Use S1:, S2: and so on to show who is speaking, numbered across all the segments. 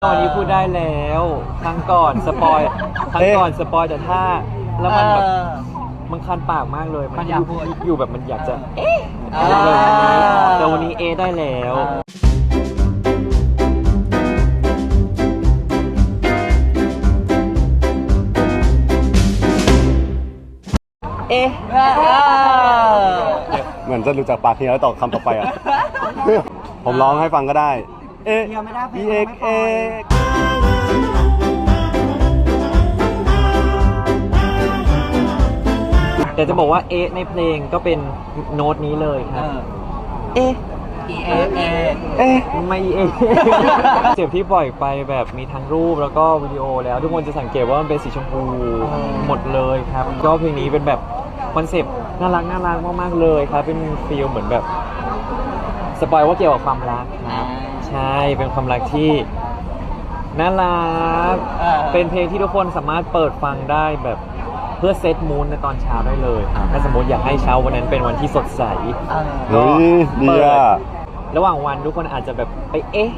S1: วันนี้พูดได้แล้วครั้งก่อนสปอยแต่ถ้าแล้วมันแบบมันคันปากมากเลยมันอยู่แบบมันอยากจะเลยแต่วันนี้ได้แล้ว
S2: เหมือนจะรู้จักปากเฮียแล้วต่อคำต่อไปอ่ะ ผมร้องให้ฟังก็ได้
S1: แต่จะบอกว่าในเพลงก็เป็นโน้ตนี้เลยครับไม่เจ็บที่ปล่อยไปแบบมีทั้งรูปแล้วก็วิดีโอแล้วทุกคนจะสังเกตว่ามันเป็นสีชมพูหมดเลยครับก็เพลงนี้เป็นแบบคอนเซปต์น่ารักมากๆเลยครับเป็นฟีลเหมือนแบบสปอยว่าเกี่ยวกับความรักครับใช่เป็นความรักที่น่ารักเป็นเพลงที่ทุกคนสามารถเปิดฟังได้แบบเพื่อเซตมูนในตอนเช้าได้เลยถ้าสมมติอยากให้เช้าวันนั้นเป็นวันที่สดใสก็
S2: ดีอ่ะ
S1: ระหว่างวันทุกคนอาจจะแบบไป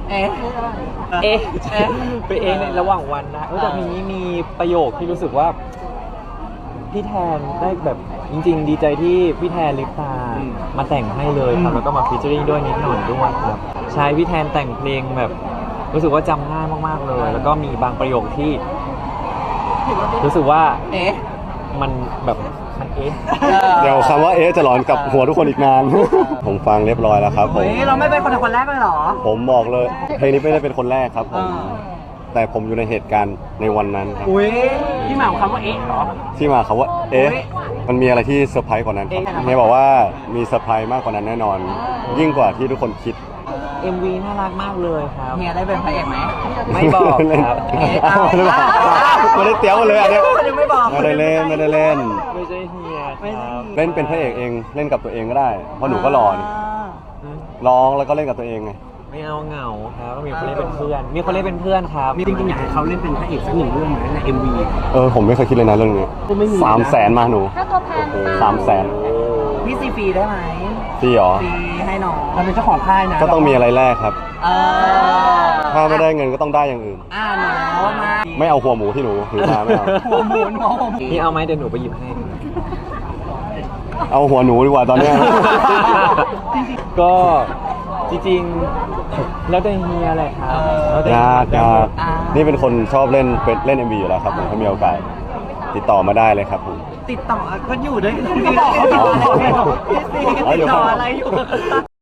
S1: ไปในระหว่างวันนะแต่เพลงนี้มีประโยคที่รู้สึกว่าพี่แทนได้แบบจริงๆดีใจที่พี่แทนลิปตามาแต่งให้เลยครับแล้วก็มาฟีเจอริ่งด้วยนิดหน่อยด้วยครับใช่พี่แทนแต่งเพลงแบบรู้สึกว่าจำง่ายมากๆเลยแล้วก็มีบางประโยคที่รู้สึกว่ามันแบบมัน
S2: เดี๋ยวคำว่าจะหลอนกับหัวทุกคนอีกนาน ผมฟังเรียบร้อยแล้วครับผม
S3: เราไม่เป็นคนแรกเลยเหรอ
S2: ผมบอกเลยเพลงนี้ไม่ได้เป็นคนแรกครับผมแต่ผมอยู่ในเหตุการณ์ในวันนั้นครับ
S3: ที่มาของคำว่าเหรอ
S2: ที่มาคำว่ามันมีอะไรที่เซอร์ไพรส์กว่านั้นครับเฮียบอกว่ามีเซอร์ไพรส์มากกว่านั้นแน่นอนยิ่งกว่าที่ทุกคนคิด
S1: MV น่ารักมากเลยครับ
S3: เฮียได้เป็นพระเอกไหม
S1: ไม่บอกครับ
S2: ไม่ได้เตี้ยวเลยอันนี้
S3: ไม่บอก
S2: ไม่ได้เล่น
S1: ไม่ใช่เฮียครับ
S2: เล่นเป็นพระเอกเองเล่นกับตัวเองก็ได้เพราะหนูก็รอนี่ร้องแล้วก็เล่นกับตัวเองไง
S1: ไม่เอาเหงาครับมีคนเล่นเป็นเพื่อนครับ
S3: จริงๆอยากให้เขาเล่นเป็นพระเอกสักหนึ่งเรื่องไหมใน MV
S2: ผมไม่เคยคิดเลยนะเรื่องนี้300,000มาหนู300,000
S3: พี่ซีฟรีได้ไหม
S2: ฟรีเหรอ
S3: ฟรีให้น้องเราเป็นเจ้าของค่ายนะ
S2: ก็ต้องมีอะไรแลกครับถ้าไม่ได้เงินก็ต้องได้อย่างอื่น
S3: หนูมา
S2: ไม่เอาหัวหมูที่หนูถือมาไม่เอา
S3: หัวหมู
S1: พี่เอาไหมเดี๋ยวหนูไปหยิบให้
S2: เอาหัวหนูดีกว่าตอนนี้
S1: ก็จริงๆแล้วแต่เฮียแหละครับ
S2: ยากนี่เป็นคนชอบเล่นMV อยู่แล้วครับผมถ้ามีโอกาสติดต่อมาได้เลยครับผม
S3: ติดต่อก็อยู่ด้วยติดต่ออะไรอยู่